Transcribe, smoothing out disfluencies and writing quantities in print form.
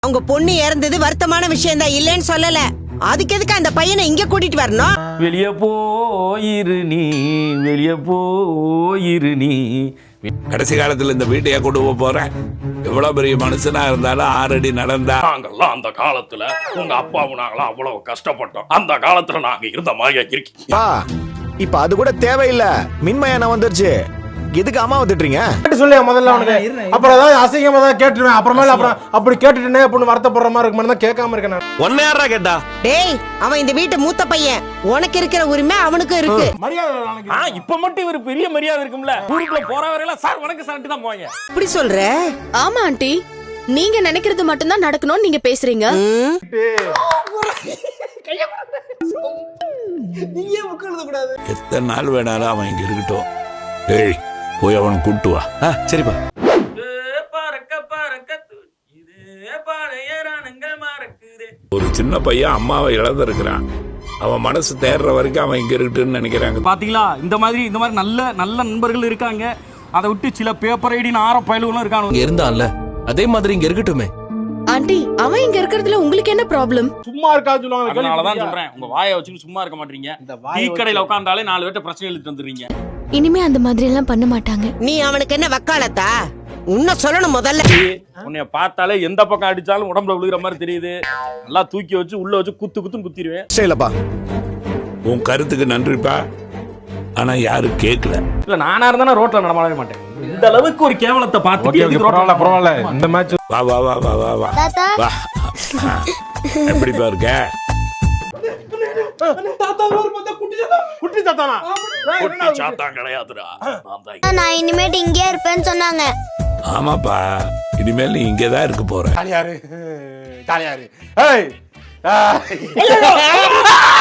அவங்க பொண்ணு இறந்தது வருத்தமான விஷயம் தான், இல்லைன்னு சொல்லல. அதுக்கு எதுக்கு அந்த பையனை இங்க கூட்டிட்டு வரணும்? வெளிய போயிரு நீ, வெளிய போயிரு நீ. கடைசி காலத்துல இந்த வீட்டையே கொண்டு போறேன். எவ்வளவு பெரிய மனுஷனா இருந்தாலும் 6 அடி நடந்தா. நாங்கெல்லாம் அந்த காலத்துல உங்க அப்பாவும் நாங்களாம் அவ்வளவு கஷ்டப்பட்டோம். அந்த காலத்துல நாங்க இருந்த மாதிரியா இருக்கீங்க? இப்ப அது கூட தேவையில்ல, மின்மயானம் வந்துருச்சு. எதுக்கு அம்மாவை திட்டுறீங்க? சொல்லியா முதல்ல அவனுக்கு. அப்புறம் ஏதாவது அசிங்கமா தான் கேட்டுருவேன். அப்புறமேல அப்புறம் அப்படி கேட்டுட்டேனே அப்படின்னு வருத்தப்படுற மாதிரி இருக்குமா தான் கேட்காம இருக்கேன் நான். ஒன்ன யாரா கேட்டா? டேய், அவன் இந்த வீட்டு மூத்த பையன். உனக்கு இருக்கிற உரிமை அவனுக்கு இருக்கு. இப்ப மட்டும் இவரு பெரிய மரியாதை இருக்கும்ல. ஊருக்குள்ள போற வரையெல்லாம் சார் வணக்கம் சார்ட்டு தான் போவாங்க. இப்படி சொல்ற? ஆமா ஆண்டி, நீங்க நினைக்கிறது மட்டும் தான் நடக்கணும்னு நீங்க பேசுறீங்க. எத்தனை நாள் வேணாலும் அவன் இங்க இருக்கட்டும். ஏய், போய் அவனை கூட்டு வா. சரிப்பா. ஒரு சின்ன பையன் அம்மாவை இழந்திருக்கிறான். அவன் மனசு தேர்ற வரைக்கும் அவன் இங்க இருக்கட்டும்னு நினைக்கிறாங்க. பாத்தீங்களா, இந்த மாதிரி நல்ல நல்ல நண்பர்கள் இருக்காங்க. அதை விட்டு சில பேப்பர் ஐடின்னு ஆற பயலுகளும் இருக்காங்க. இங்க இருந்தான்ல, அதே மாதிரி இங்க இருக்கட்டுமே. ஆண்டி, அவன் இங்க இருக்கிறதுல உங்களுக்கு என்ன ப்ராப்ளம்? சும்மா இருக்காது சொல்லுவாங்க. அதனாலதான் சொல்றேன், உங்க வாயை வச்சுட்டு சும்மா இருக்க மாட்டீங்க. டீ கடையில உட்கார்ந்தாலே 4 பேர்ட்ட பிரச்சனை எழுதிட்டு வந்துடுறீங்க. இனிமே அந்த மாதிரி எல்லாம் பண்ண மாட்டாங்க. நீ அவனுக்கு என்ன வக்காலத்தா? உன்ன சொல்லணும் முதல்ல. உன்னைய பார்த்தாலே எந்த பக்கம் அடிச்சாலும் உடம்புல விழுகிற மாதிரி தெரியுது. நல்லா தூக்கி வச்சு உள்ள வச்சு குத்துன்னு குத்திடுவேன். சரிலப்பா, உன் கருத்துக்கு நன்றிப்பா. ஆனா யாரும் கேட்கல. இல்ல, நானா இருந்தா ரோட்ல நடமாடவே மாட்டேன். இந்த அளவுக்கு ஒரு கேவலத்தை பார்த்து பரவாயில்ல. இந்த மேட்ச் வா வா வா வா வா வா வா. எப்படிப்பா இருக்க? குட்டி தாத்தானா? குட்டி சாத்தான் கிடையாதுடா. நான் இனிமேட்டு இங்கே இருப்பேன்னு சொன்னாங்க. ஆமாப்பா, இனிமேல் நீ இங்கதான் இருக்க போற. தாலியாரு. ஏய்